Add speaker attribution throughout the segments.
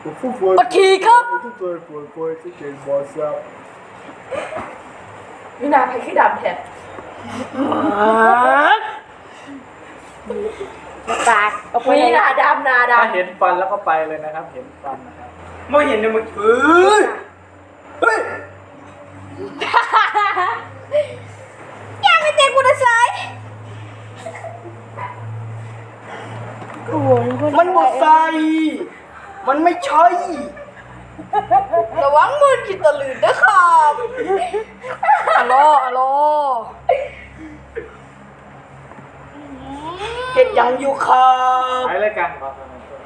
Speaker 1: ปะทีครับนี่นาใครขี้ดำแทนปากเอาไปนี่นาดำนาดำ
Speaker 2: ถ้าเห็นฟันแล้วก็ไปเลยนะครับเห็นฟันนะครับ
Speaker 3: ไม่เห็นเลยมึงเฮ้ย
Speaker 1: ยังไม่เจ็บกูนะสาย
Speaker 3: มันหมดใส่มันไม่ใช่
Speaker 1: ระวังมือกินตะลืนนะครับอะโลอะโล
Speaker 3: เห็ดยังอยู่ครับ
Speaker 2: ไปเลยกันครับ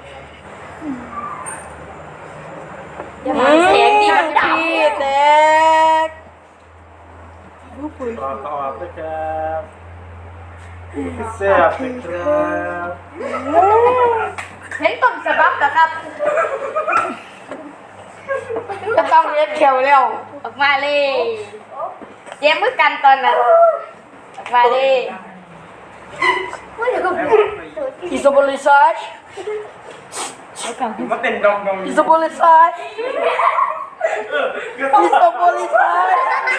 Speaker 1: อย่ามาเสียงดีมันดำแตก
Speaker 2: ต่อไปครับแซ่บนะครับ
Speaker 1: เห็นต้นฉบับนะครับจะต้องเรียกเขียวเร็วออกมาเลยเจ๊มือกันตอนนั้นออกมาเลยอิสบอลิไซด์
Speaker 3: มันเป็นดอง
Speaker 1: อิสบอลิไซด์อิสบอลิไซด์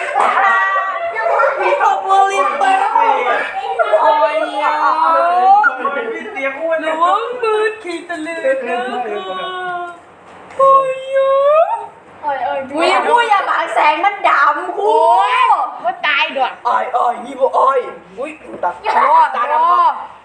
Speaker 1: อิสบอลิไซด์โอ้ย
Speaker 3: พี่เตรียมอ้วน
Speaker 1: ระวังมือขีดตะลึงนะครับโอ้ยวิวอย่าบังแสงมันดำคูว่าตายด้วย
Speaker 3: อ้อยนี่บ่อ้อยอุ้ยตัด
Speaker 1: ตาดำ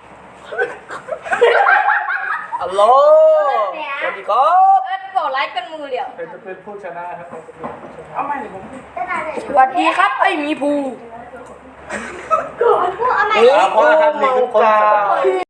Speaker 3: ฮัลโหลสวัสดีครับ
Speaker 1: บอกไลค์กันมือเดียว
Speaker 2: ใครจะเป็นผู้ชนะครับใครจะเป็นผู้ชนะ
Speaker 3: เอาใหม่เลยผม
Speaker 1: สวัสดีครับไอ้มีภู
Speaker 2: เพราะว่าครับนี่คือคน